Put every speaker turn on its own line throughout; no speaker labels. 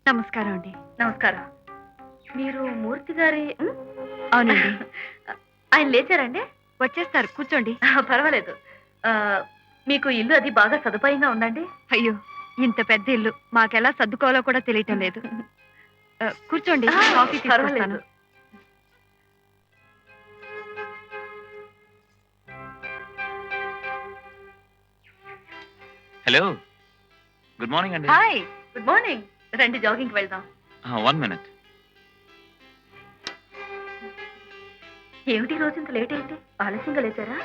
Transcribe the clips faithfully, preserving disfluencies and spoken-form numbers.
నమస్కారం అండి.
నమస్కారం. మీరు మూర్తి గారి ఉమ్,
అవునండి.
ఆయన లేచారండి?
వచ్చేస్తారు, కూర్చోండి.
పర్వాలేదు. ఆ, మీకు ఇల్లు అది బాగా సదుపాయంగా ఉందండి?
అయ్యో, ఇంత పెద్ద ఇల్లు మాకెలా సర్దుకోవాలో కూడా తెలియటం లేదు. ఆ, కూర్చోండి,
ఆ,
కాఫీ తీసుకొస్తాను.
పర్వాలేదు.
హలో, గుడ్ మార్నింగ్ అండి.
Hi, good morning. రండి, జాగింగ్ వెళ్దాం.
One minute.
ఏమిటి ఈ రోజు ఇంత లేట్ ఏంటి? ఆలస్యంగా లేచారా?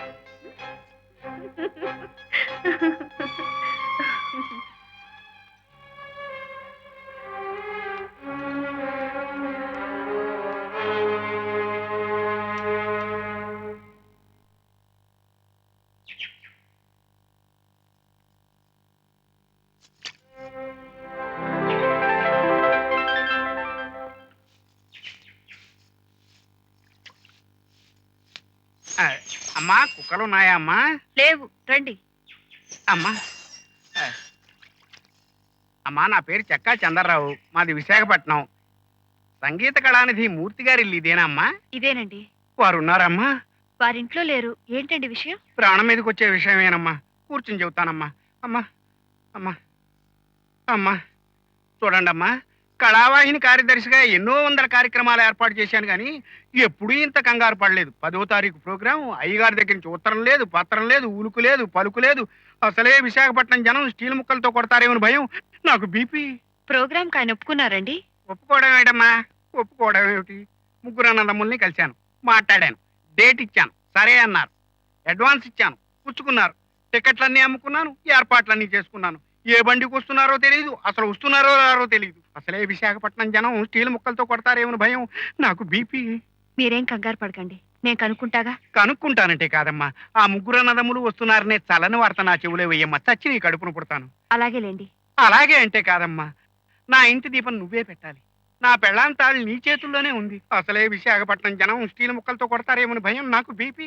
ఆ, అమ్మా కుక్కలు ఉన్నాయా అమ్మా?
లేవు, రండి.
అమ్మా ఆ, అమ్మా నా పేరు చెక్కా చంద్రరావు, మాది విశాఖపట్నం. సంగీత కళానిధి మూర్తి గారి ఇల్లు ఇదేనా అమ్మా?
ఇదేనండి.
వారు ఉన్నారమ్మా?
వారింట్లో లేరు. ఏంటండి విషయం?
ప్రాణం మీదకి వచ్చే విషయమేనమ్మా. కూర్చుని చెబుతానమ్మా. అమ్మా అమ్మా అమ్మా చూడండి అమ్మా, కళావాహిని కార్యదర్శిగా ఎన్నో వందల కార్యక్రమాలు ఏర్పాటు చేశాను కానీ ఎప్పుడూ ఇంత కంగారు పడలేదు. పదో తారీఖు ప్రోగ్రాం, అయ్యగారి దగ్గర నుంచి ఉత్తరం లేదు, పత్రం లేదు, ఉలుకు లేదు, పలుకు లేదు. అసలే విశాఖపట్నం జనం స్టీల్ ముక్కలతో కొడతారేమని భయం. నాకు బీపీ.
ప్రోగ్రామ్ ఆయన ఒప్పుకున్నారండి?
ఒప్పుకోవడం ఏంటమ్మా, ఒప్పుకోవడం ఏమిటి? ముగ్గురు అన్నదమ్ముల్ని కలిశాను, మాట్లాడాను, డేట్ ఇచ్చాను, సరే అన్నారు. అడ్వాన్స్ ఇచ్చాను, పుచ్చుకున్నారు. టికెట్లన్నీ అమ్ముకున్నాను, ఏర్పాట్లన్నీ చేసుకున్నాను. ఏ బండికి వస్తున్నారో తెలియదు, అసలు వస్తున్నారో రారో తెలియదు. అసలే విశాఖపట్నం జనం స్టీల్ ముక్కలతో కొడతారేమని భయం. నాకు బీపీ.
మీరేం కంగారు పడకండి, నేను కనుక్కుంటాగా.
కనుక్కుంటానంటే కాదమ్మా, ఆ ముగ్గురు అన్నదమ్ములు వస్తున్నారనే చల్లని వార్త నా చెవులే వేయమ్మా, చచ్చి నీ కడుపును పుడతాను.
అలాగేలేండి.
అలాగే అంటే కాదమ్మా, నా ఇంటి దీపం నువ్వే పెట్టాలి. నా పెళ్ళాం తాళి నీ చేతుల్లోనే ఉంది. అసలే విశాఖపట్నం జనం స్టీల్ ముక్కలతో కొడతారేమని భయం. నాకు బీపీ.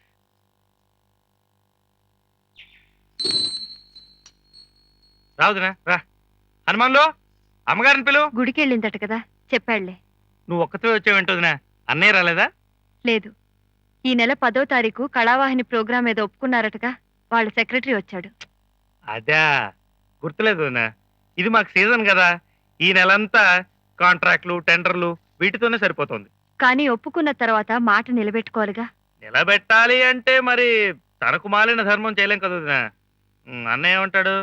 రావుదునా రా. హనుమాన్లో అమ్మగారిని పిలు.
గుడికి వెళ్ళిందట కదా, చెప్పాడులే.
నువ్వు ఒక్కతో వచ్చావేంటోదినా? అన్నయ్య రాలేదా?
లేదు, ఈ నెల పదో తారీఖు కళావాహిని ప్రోగ్రాం ఏదో ఒప్పుకున్నారటగా, వాళ్ళ సెక్రటరీ వచ్చాడు.
అదా, గుర్తులేదు వదినా. ఇది మాకు సీజన్ కదా, ఈ నెలంతా కాంట్రాక్ట్లు, టెండర్లు వీటితోనే సరిపోతుంది.
కానీ ఒప్పుకున్న తర్వాత మాట నిలబెట్టుకోవాలిగా.
నిలబెట్టాలి అంటే మరి తనకు మాలిన ధర్మం చేయలేం కదా వదినా. ఉమ్, అన్నయ్య ఏమంటాడు?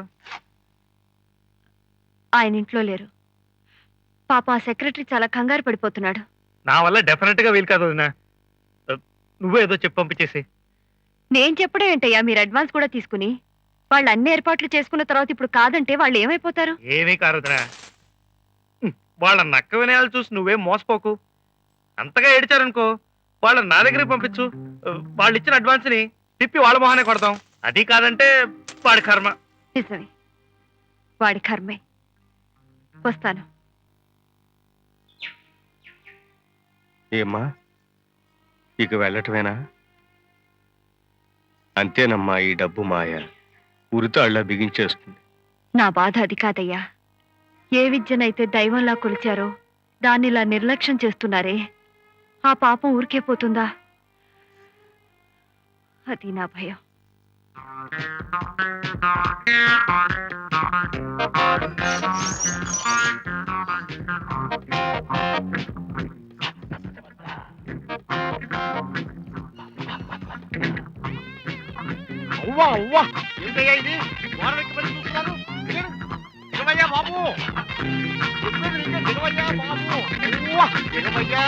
ఆయన ఇంట్లో లేరు. పాప ఆ సెక్రటరీ చాలా కంగారు పడిపోతున్నాడు.
నా వల్ల డెఫినెట్ గా వీలు కాదు వదినా. నువ్వే ఏదో చెప్పి పంపించేసి.
నేను చెప్పడం ఏంటయ్యా, మీరు అడ్వాన్స్ కూడా తీసుకుని వాళ్ళు అన్ని ఏర్పాట్లు చేసుకున్న తర్వాత ఇప్పుడు కాదంటే వాళ్ళు ఏమైపోతారు?
ఏమీ కారు వదినా. ఉమ్, వాళ్ళ నక్క వినయాలు చూసి నువ్వేం మోసపోకు. అంతగా ఏడిచారనుకో, వాళ్ళని నా దగ్గరికి పంపించు. వాళ్ళు ఇచ్చిన అడ్వాన్స్ ని తిప్పి వాళ్ళ మొహానే కొడతాం. అది కాదంటే వాడి కర్మ.
నిజమే, వాడి కర్మే. వస్తాను.
ఏమ్మా, ఇక వెళ్ళటమేనా? అంతేనమ్మా, ఈ డబ్బు మాయ ఉరితాళ్ళ బిగించేస్తుంది.
నా బాధ అది కాదయ్యా. ఏ విద్యనైతే దైవంలా కొలిచారో దాన్ని ఇలా నిర్లక్ష్యం చేస్తున్నారే, ఆ పాపం ఊరికే పోతుందా? అది నా భయం.
అవ్వా అవ్వా, ఏంటయ్యా ఇది? గోడ వెక్కి పడి చూస్తున్నారు. నిలవయ్యా బాబు, చెప్పేది నిజం, నిలవయ్యా బాబు. అవ్వా, నిలవయ్యా.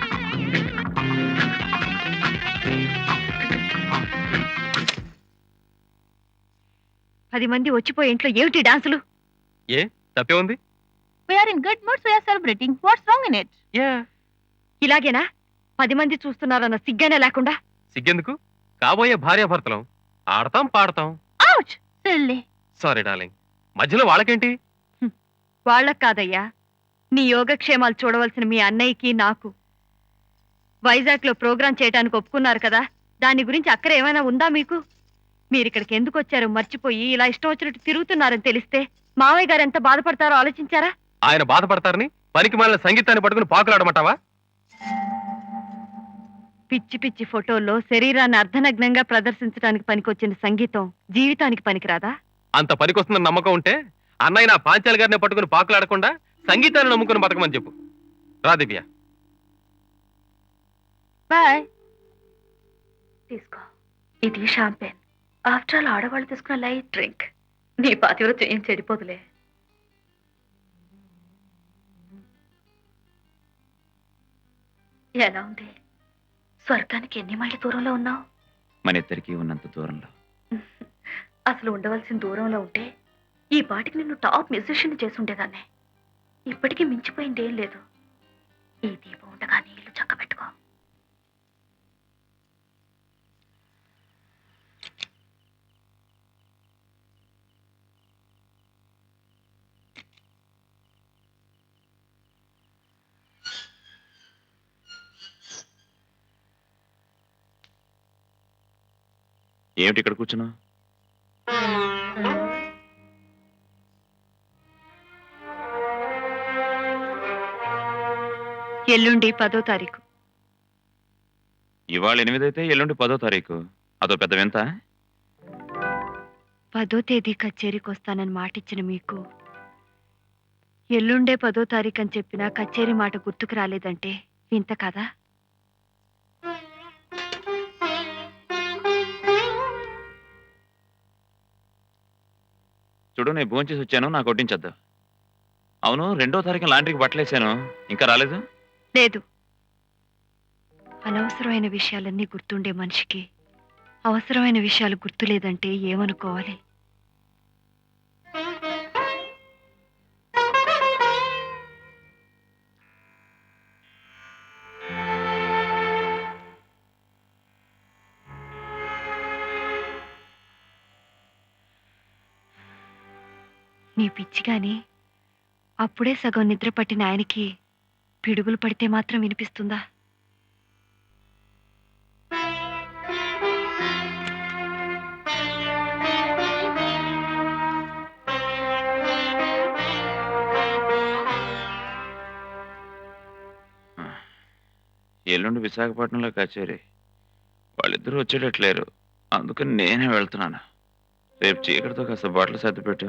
పది మంది వచ్చిపోయే ఇంట్లో ఏమిటి డాన్సులు?
ఏ తప్పే ఉంది?
We are in good mood, so we are celebrating. What's wrong in it?
ఇలాగేనా? పది మంది చూస్తున్నారన్న సిగ్గనే లేకుండా.
సిగ్గెందుకు? కాబోయే భార్యాభర్తలం, ఆడతాం పాడతాం.
Ouch! Silly.
సారీ డార్లింగ్, మధ్యలో వాళ్ళకేంటి?
వాళ్ళకు కాదయ్యా, నీ యోగక్షేమాలు చూడవలసిన మీ అన్నయ్యకి నాకు. వైజాగ్ లో ప్రోగ్రాం చేయడానికి ఒప్పుకున్నారు కదా, దాని గురించి అక్కర ఏమైనా ఉందా మీకు? మీరిక్కడికి ఎందుకు వచ్చారో మర్చిపోయి ఇలా ఇష్టం వచ్చినట్టు తిరుగుతున్నారని తెలిస్తే మావయ్య గారు ఎంత బాధపడతారో ఆలోచించారా?
ఆయన బాధపడతారని పనికి మాలిన సంగీతాన్ని పట్టుకుని పాకులాడమంటావా?
పిచ్చి పిచ్చి ఫోటోల్లో శరీరాన్ని అర్ధనగ్నంగా ప్రదర్శించడానికి పనికొచ్చిన సంగీతం జీవితానికి పనికిరాదా?
అంత పనికొస్తుందని నమ్మకం ఉంటే అన్నయ్య నా పాంచాలి గారిని పట్టుకుని పాకులాడకుండా సంగీతాన్ని నమ్ముకుని బతకమని చెప్పు. రా దివ్య.
బాయ్.
తీసుకో, ఇది షాంపెన్. ఆఫ్టర్ ఆల్ ఆడవాళ్ళు తీసుకున్న లైట్ డ్రింక్. నీ పాతివృత్యం ఏం చెడిపోదులే. ఎలా ఉంది? స్వర్గానికి ఎన్ని మైళ్ళ దూరంలో ఉన్నావు?
మన ఇద్దరికి ఉన్నంత దూరంలో.
అసలు ఉండవలసిన దూరంలో ఉంటే ఈ పాటికి నిన్ను టాప్ మ్యూజిషియన్ చేసి ఉండేదాన్ని. ఇప్పటికీ మించిపోయింది ఏం లేదు. ఈ దీపం ఉండగా నీళ్లు చక్కబెట్టుకో.
ఏమిటి ఇక్కడ కూర్చున్నావు?
ఎల్లుండి పదో తారీఖు.
ఇవాళ ఎనిమిదైతే ఎల్లుండి పదో తారీఖు. అదో పెద్ద వింత.
పదో తేదీ కచేరీకి వస్తానని మాటిచ్చిన మీకు ఎల్లుండే పదో తారీఖు అని చెప్పినా కచేరీ మాట గుర్తుకు రాలేదంటే వింత కదా?
చూడు, నేను భోంచేసి వచ్చాను, నాకు వడ్డించద్దు. అవును, రెండో తారీఖు లాండ్రీకి బట్టలేసాను, ఇంకా రాలేదు?
లేదు. అనవసరమైన విషయాలన్నీ గుర్తుండే మనిషికి అవసరమైన విషయాలు గుర్తులేదంటే ఏమనుకోవాలి? నీ పిచ్చి గాని అప్పుడే సగం నిద్ర పట్టిన ఆయనకి పిడుగులు పడితే మాత్రం వినిపిస్తుందా?
ఎల్లుండి విశాఖపట్నంలో కచేరీ. వాళ్ళిద్దరూ వచ్చేటట్లేరు, అందుకని నేనే వెళ్తున్నాను. రేపు చీకటితో కాస్త బట్టలు సర్దిపెట్టు.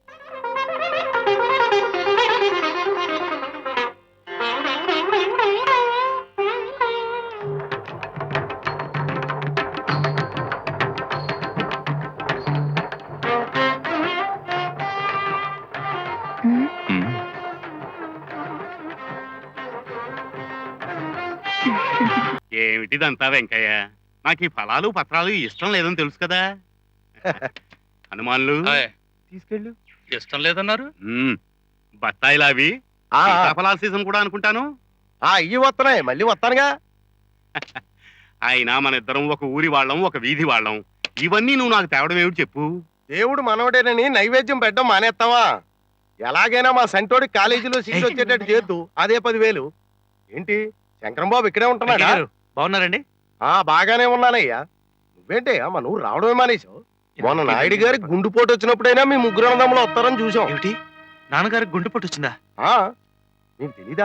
ఉమ్.
ఏమిటిదంతా వెంకయ్య? నాకు ఈ ఫలాలు పత్రాలు ఇష్టం లేదని తెలుసు కదా. హనుమాన్లు
తీసుకెళ్ళు. ఇష్టం లేదన్నారు.
మ్మ్. బత్తాయిలు అవి ఫలాల సీజన్ కూడా అనుకుంటాను.
ఇవి వస్తున్నాయి, మళ్ళీ వస్తానుగా.
అయినా మన ఇద్దరం ఒక ఊరి వాళ్ళం, ఒక వీధి వాళ్ళం. ఇవన్నీ నువ్వు నాకు తేవడం ఏమిటి చెప్పు?
దేవుడు మనవడేనని నైవేద్యం పెట్టడం మానేస్తావా? ఎలాగైనా మా సంటోడి కాలేజీలో సీట్ వచ్చేటట్టు చేద్దు. అదే పదివేలు. ఏంటి శంకరం బాబు ఇక్కడే ఉంటున్నాడా?
బాగున్నారండి?
ఆ బాగానే ఉన్నానయ్యా. నువ్వేంటి అమ్మ నువ్వు రావడమే మానేశావు? మొన్న నాయుడు గారి గుండుపోటు వచ్చినప్పుడైనా మీ ముగ్గురు అన్నదమ్ములు వస్తారని చూసాం.
ఏమిటి, నాన్నగారికి గుండెపోటు వచ్చిందా?
ఆ నీకు తెలీదా?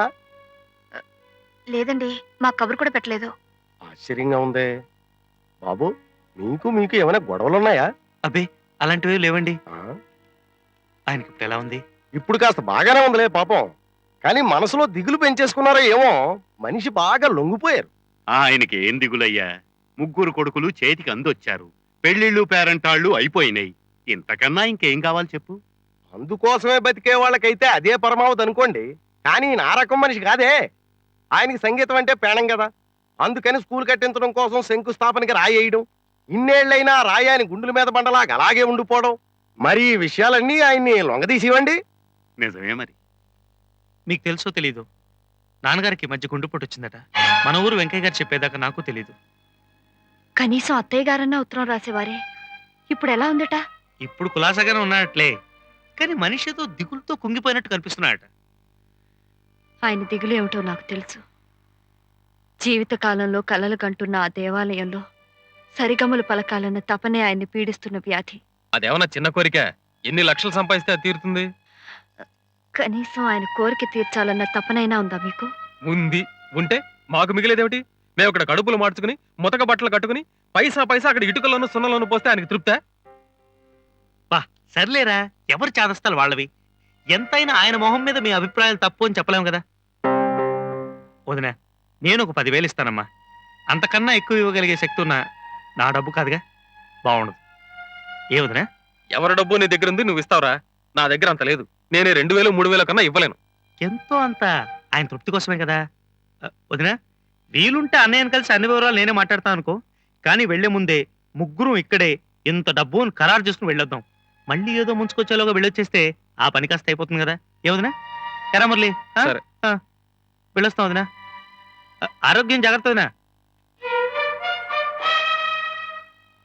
లేదండి, మా కబురు కూడా పెట్టలేదు.
ఆశ్చర్యంగా ఉందే బాబు. మీకు మీకు ఏమైనా గొడవలు ఉన్నాయా?
అబ్బే, అలాంటివి లేవండి.
ఆ?
ఆయనకి ఇప్పుడు ఎలా ఉంది?
ఇప్పుడు కాస్త బాగానే ఉందిలే పాపం. కానీ మనసులో దిగులు పెంచేసుకున్నారో ఏమో. మనిషి బాగా లొంగిపోయారు.
ఆయనకి ఏం దిగులయ్యా? ముగ్గురు కొడుకులు చేతికి అందొచ్చారు. పెళ్లిళ్ళు పేరంటాళ్ళు అయిపోయినాయి. ఇంతకన్నా ఇంకేం కావాలి చెప్పు?
అందుకోసమే బతికే వాళ్ళకైతే అదే పరమావధి అనుకోండి. కానీ నా రకం మనిషి కాదే. ఆయనకి సంగీతం అంటే పేణం కదా. అందుకని స్కూల్ కట్టించడం కోసం శంకుస్థాపనకి రాయేయడం, ఇన్నేళ్లైనా రాయి ఆయన గుండెల మీద బండలాగా అలాగే ఉండిపోవడం. మరి ఈ విషయాలన్నీ ఆయన్ని లొంగదీసివ్వండి.
నిజమే మరి.
మీకు తెలుసో తెలీదు, నాన్నగారికి ఈ మధ్య గుండెపోటు వచ్చిందట. మన ఊరు వెంకయ్య గారు చెప్పేదాకా నాకు తెలీదు.
కనీసం అత్తయ్య గారన్నా ఉత్తరం రాసేవారే. ఇప్పుడు ఎలా ఉందట?
ఇప్పుడు కులాసాగానే ఉన్నాడట్లే, కానీ మనిషి ఏదో దిగులతో కుంగిపోయినట్టు కనిపిస్తున్నాడట.
ఆయన దిగులు ఏమిటో నాకు తెలుసు. జీవితకాలంలో కలలు కంటున్న ఆ దేవాలయంలో సరిగమలు పలకాలన్న తపనే ఆయన్ని పీడిస్తున్న వ్యాధి.
అదేమన్నా చిన్న కోరిక? ఎన్ని లక్షలు సంపాదిస్తే అది తీరుతుంది?
కనీసం ఆయన కోరిక తీర్చాలన్న తపనైనా ఉందా మీకు?
ఉంది. ఉంటే మాకు మిగిలేదేమిటి? మేము ఇక్కడ కడుపులు మార్చుకుని ముతక బట్టలు కట్టుకుని పైసా పైసా అక్కడ ఇటుకల్లోనూ సున్నలోనూ పోస్తే ఆయనకి తృప్తే?
సర్లేరా, ఎవరు చాదస్తాలు వాళ్ళవి. ఎంతైనా ఆయన మొహం మీద మీ అభిప్రాయాలు తప్పు అని చెప్పలేము కదా. వదినా, నేను ఒక పదివేలు ఇస్తానమ్మా. అంతకన్నా ఎక్కువ ఇవ్వగలిగే శక్తి ఉన్న నా డబ్బు కాదుగా, బాగుండదు. ఏ వదినా?
ఎవరి డబ్బు నీ దగ్గర ఉంది, నువ్వు ఇస్తావురా? నా దగ్గర అంత లేదు. నేనే రెండు వేలు మూడు వేల కన్నా ఇవ్వలేను.
ఎంతో అంత ఆయన తృప్తి కోసమే కదా. అ, వదినా, వీలుంటే అన్నయ్యను కలిసి అన్ని వివరాలు నేనే మాట్లాడతాను అనుకో. కానీ వెళ్లే ముందే ముగ్గురు ఇక్కడే ఇంత డబ్బు అని ఖరారు చేసుకుని వెళ్ళొద్దాం. మళ్ళీ ఏదో ముంచుకొచ్చేలోగా వెళ్ళొచ్చేస్తే ఆ పని కాస్త అయిపోతుంది కదా. ఏ వదినా? ఎరా మురళి, ఆ?
సరే.
ఆ, వెళ్ళొస్తాం వదినా. ఆ, ఆరోగ్యం జాగ్రత్త వదినా.